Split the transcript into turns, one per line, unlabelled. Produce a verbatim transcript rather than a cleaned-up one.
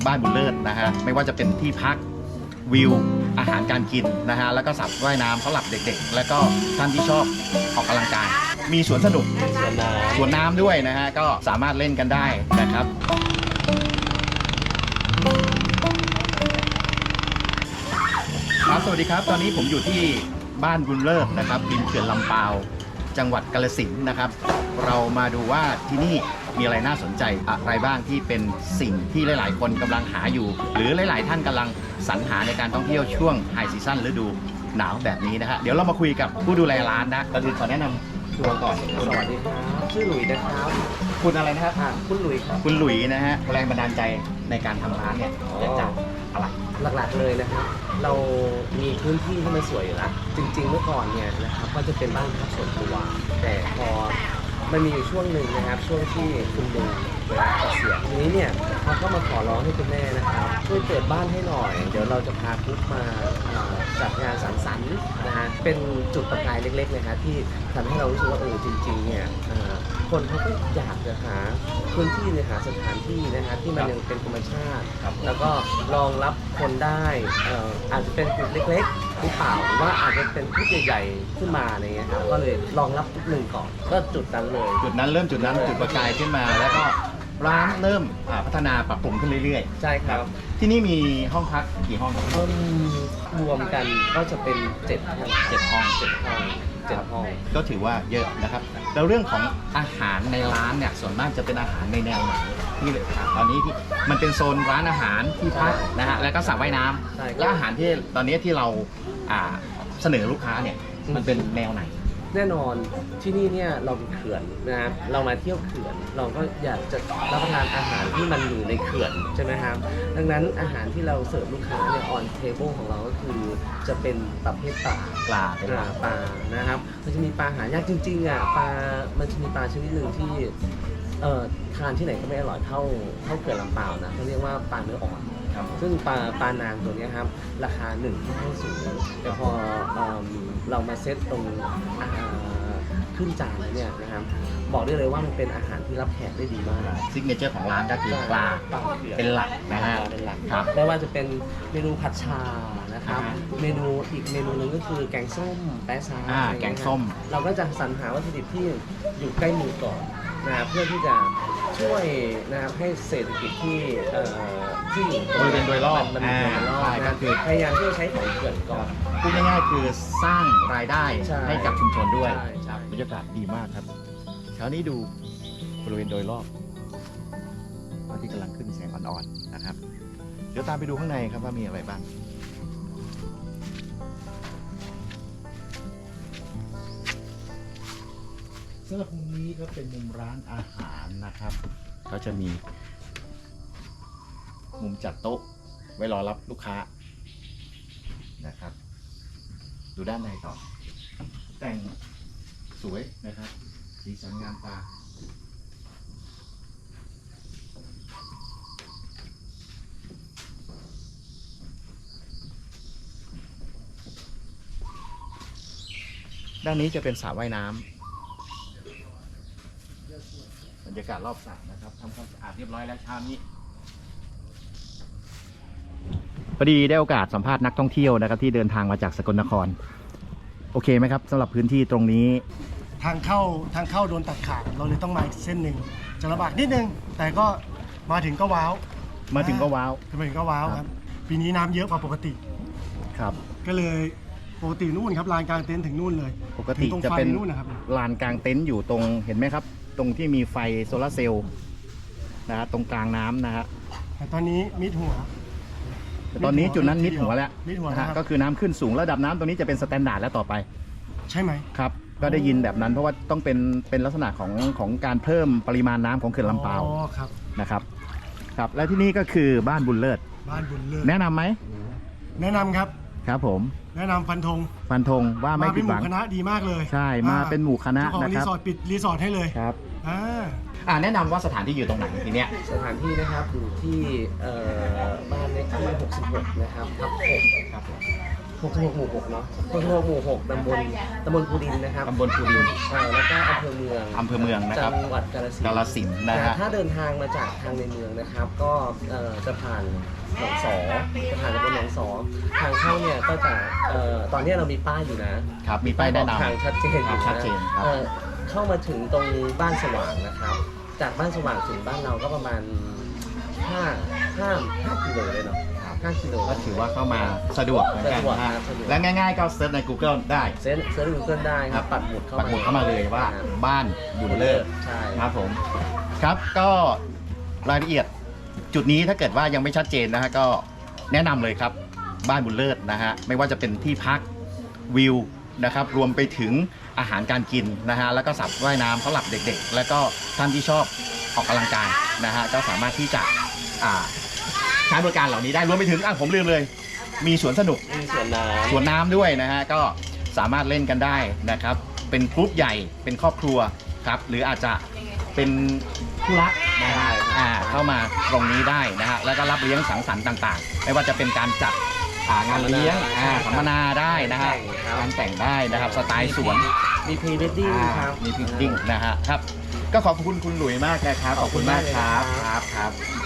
บ้านบุญเลิศนะฮะไม่ว่าจะเป็นที่พักวิวอาหารการกินนะฮะแล้วก็สระว่ายน้ำสำหรับเด็กๆแล้วก็ท่านที่ชอบออกกำลังกายมีสวนสนุก
สวนน้ำ
สวนน้ำด้วยนะฮะก็สามารถเล่นกันได้นะครับครับสวัสดีครับตอนนี้ผมอยู่ที่บ้านบุญเลิศนะครับริมเขื่อนลำปาวจังหวัดกาฬสินธุ์นะครับเรามาดูว่าที่นี่มีอะไรน่าสนใจอะไรบ้างที่เป็นสิ่งที่หลายๆคนกำลังหาอยู่หรือหลายๆท่านกำลังสรรหาในการท่องเที่ยวช่วงไฮซีซั่นฤดูหนาวแบบนี้นะฮะเดี๋ยวเรามาคุยกับผู้ดูแลร้านนะก่อนอื่นขอแนะนำตัวก่อน
สวัสดีครับชื่อหลุยนะครับ
คุณอะไรนะครับ
อ่าคุณหลุยครับ
คุณหลุยนะฮะแรงบันดาลใจในการทำร้านเนี่ยเกิดจากอะไร
หลักๆเลยนะครับ เรามีพื้นที่ที่มันสวยอยู่แล้วจริงๆเมื่อก่อนเนี่ยนะครับก็จะเป็นบ้านพักส่วนตัวแต่พอมันมีอยู่ช่วงหนึ่งนะครับช่วงที่คุณลุงเวลาเกษียณทีนี้เนี่ยเขาก็มาขอร้องให้คุณแม่นะครับช่วยเปิดบ้านให้หน่อยเดี๋ยวเราจะพาคุกมาอ่าจัดงานสังสรรค์นะฮะเป็นจุดประกายเล็กๆเลยครับที่ทำให้เรารู้สึกว่าเออจริงๆเนี่ยอ่าคนเขาก็อยากจะหาพื้นที่เนี่ยหาสถานที่นะฮะที่มันยังเป็นธรรมชาติ แล้วก็รองรับคนได้เอ่ออาจจะเป็นกลุ่มเล็กๆหรือเปล่าหรือว่าอาจจะเป็นกลุ่มใหญ่ๆขึ้นมาอะไรเงี้ยครับก็เลยรองรับหนึ่งก่อนก็จุดนั้นเลย
จุดนั้นเริ่มจุดนั้นจุดประกายขึ้นมาแล้วก็ร้านเริ่มอ่าพัฒนาปรับปรุงขึ้นเรื่อย
ใช่ครับ
ๆที่นี่มีห้องพักกี่ห้องครับ
เพิ่มรวมกันก็จะเป็นเจ็ดห้อง
เจ็ดห้อง
เจ็ดห้องเจ็ดห้อง
ก็ถือว่าเยอะนะครับแล้วเรื่องของอาหารในร้านเนี่ยส่วนมากจะเป็นอาหารในแนวไหนที่ตอนนี้ที่มันเป็นโซนร้านอาหารที่พักนะฮะแล้วก็สระว่ายน้ำ
ใช่ครับ
และอาหารที่ตอนนี้ที่เราอ่าเสนอลูกค้าเนี่ยมันเป็นแนวไหน
แน่นอนที่นี่เนี่ยเราเป็นเขื่อนนะครับเรามาเที่ยวเขื่อน เราก็อยากจะรับประทานอาหารที่มันอยู่ในเขื่อนใช่ไหมครับดังนั้นอาหารที่เราเสิร์ฟลูกค้าเนี่ยออนเทเบิลของเราก็คือจะเป็นประเภทปลา
ปลาเป็น
ป
หลั
ลาก ปลานะครับมันจะมีปลาหายากจริงๆอ่ะปลา มันจะมีปลาชนิดหนึ่งที่เอ่อทานที่ไหนก็ไม่อร่อยเท่าเท่าเขื่อนลำปาวนะเขาเรียกว่าปลาเนื้ออ่อน
ครับ
ซึ่งปลาปลานางตัวเนี้ยครับราคาหนึ่งที่ให้สูงแต่พอเอิ่มเรามาเซตตรงอ่าขึ้นจานแล้วเนี่ยนะครับบอกได้เลยว่ามันเป็นอาหารที่รับแขกได้ดีมาก
ซิกเนเจอร์ของร้านก็คือปลา
ปลาเขื่อน
เป็นหลักนะฮะ
เป็นหลัก
ครับ
ไม่ว่าจะเป็นเมนูผัดชานะครับ
อ่า
เมนูอีกเมนูหนึงก็คือแกงส้มแป๊ะซา
อ่า
อะไรเย
แกงส้ม
ครับเราก็จะสรรหาวัตถุดิบที่อยู่ใกล้มือก่อนนะครับเพื่อที่จะช่วยนะครับให้เศรษฐกิจที่เอ่อที่อยู่
บริเวณโดยรอบ
มันมันโดยรอบ
อ่าใช่ก็
นะ
คือ
พยายามที่จะใช้ของเขื่อนก่อน
พูดง่ายๆคือสร้างรายได้
ใช่
ให้กับชุมชนด้วย
ใช่ใช่
บรรยากาศดีมากครับเช้านี้ดูบริเวณโดยรอบพระอาที่กำลังขึ้นแสงอ่อนๆนะครับ เดี๋ยวตามไปดูข้างในครับว่ามีอะไรบ้างสำหรับมุมนี้ก็เป็นมุมร้านอาหารนะครับเขาจะมีมุมจัดโต๊ะไว้รอรับลูกค้านะครับ ดูด้านในต่อ แต่งสวยนะครับ สีสันงามตา ด้านนี้จะเป็นสระว่ายน้ำบรรยากาศรอบสระนะครับทำความสะอาดเรียบร้อยแล้วเช้านี้พอดีได้โอกาสสัมภาษณ์นักท่องเที่ยวนะครับที่เดินทางมาจากสกลนคร โอเคไหมครับสำหรับพื้นที่ตรงนี้
ทางเข้าทางเข้าโดนตัดขาดเราเลยต้องมาอีกเส้นหนึ่งจะลำบากนิดนึง แต่ก็มาถึงก็ว้าว
มาถึงก็ว้าว
มาถึงก็ว้าวครับปีนี้น้ำเยอะกว่าปกติ
ครับ
ก็เลยปกตินู่นครับลานกลางเต็นท์ถึงนู่นเลย
ปกติ
ถึงตรง
จะ
ไฟ
เป็น
นู่นนะครับ
ลานกลางเต็นท์อยู่ตรงเห็นไหมครับ ตรงที่มีไฟโซลาร์เซลล์นะฮะตรงกลางน้ำนะฮะ
แต่ตอนนี้มิดหัว
แต่ตอนนี้จุดนั้นมิดหัวแล้ว
มิดหัว
นะ
นะ
ฮะ
ครับ
ก็คือน้ำขึ้นสูงระดับน้ำตรงนี้จะเป็นสแตนดาร์ดแล้วต่อไป
ใช่ไหม
ครับ ก็ได้ยินแบบนั้นเพราะว่าต้องเป็นเป็นลักษณะของของการเพิ่มปริมาณน้ำของเขื่อนลำปาว
อ๋อครับ
นะครับครับและที่นี่ก็คือบ้านบุญเลิศ
บ้านบุญเลิศ
แนะนำไหม
แนะนำครับ
ครับผม
แนะนำฟันธง
ฟันธงว่าไม่
มา
ผิ
เป็น
ด
ห
หวั
มู่
ง
คณะดีมากเลย
ใช่มาเป็นหมู่คณะ
เจ้าของ
นะ
รี
ครับ
สอร์ทปิดรีสอร์ทให้เลย
ครับ
อ่า
อ่าแนะนำว่าสถานที่อยู่ตรงไหนทีเนี้ย
สถานที่นะครับอยู่ที่เอ่อบ้านเลขที่หกสิบหกนะครับทับหกครับผม
พ
หกสิบหกหมู่หกเนาะหกสิบหกหมู่หกตำบลตำบลภูดินนะครับ
ตำบลภูดิน
เออแล้วก็อำเภอเมือง
อำเภอเมืองนะครับ
จังหวัดกาฬสิน
กา
ธุ์
ฬสินธุ์นะฮะ
ถ้าเดินทางมาจากทางในเมืองนะครับ ก็เอ่อจะผ่านหนองสอจะผ่านตำบลหนองสอทางเข้าเนี่ยก็จะเอ่อตอนนี้เรามีป้ายอยู่นะครับ
มีป้ายแนะนำ
ทางชัดเจนอยู่
ชัด
นะ
เจนครับ
เอ่อเข้ามาถึงตรงบ้านสว่างนะครับ จากบ้านสว่างถึงบ้านเราก็ประมาณห้าห้าห้ากิโลเลยเนาะห้ากิโล
ก็ถือว่าเข้ามาสะดวกเหมือนกัน
สะดวก
นะฮะ
ครับสะดวก
และง่ายๆก็เซิร์ชใน Google ได้
เซิร์ชเซิร์ชดูเกิลได้ครับปักหมุดเข้า
ปักหมุดเข้ามาเลยว่า
ครับ
บ้านบุญเลิศ
ใช่
ครับผมครับก็รายละเอียดจุดนี้ถ้าเกิดว่ายังไม่ชัดเจนนะฮะก็แนะนำเลยครับบ้านบุญเลิศนะฮะไม่ว่าจะเป็นที่พักวิวนะครับรวมไปถึงอาหารการกินนะฮะแล้วก็สระว่ายน้ำสำหรับเด็กๆ แล้วก็ท่านที่ชอบออกกำลังกายนะฮะก็สามารถที่จะอ่าใช้บริการเหล่านี้ได้รวมไปถึงอ่ะผมลืมเลย มีสวนสนุก
มีสวนน้ำ
สวนน้ำด้วยนะฮะก็สามารถเล่นกันได้นะครับเป็นกรุ๊ปใหญ่เป็นครอบครัวครับหรืออาจจะเป็นคู่รักนะฮะอ่าเข้ามาตรงนี้ได้นะฮะแล้วก็รับเลี้ยงสังสรรค์ต่างๆ ไม่ว่าจะเป็นการจัดอ่างานเลี้ยงอ่าสัมมนาได้นะฮะการแต่งได้นะครับสไตล์สวน
มีพรีเวดดิ้ง
อ่า
ครับ
มีพิงดิ้งนะฮะครับก็ขอบคุณคุณหลุยมากนะครับขอบคุณมากครับครับครับ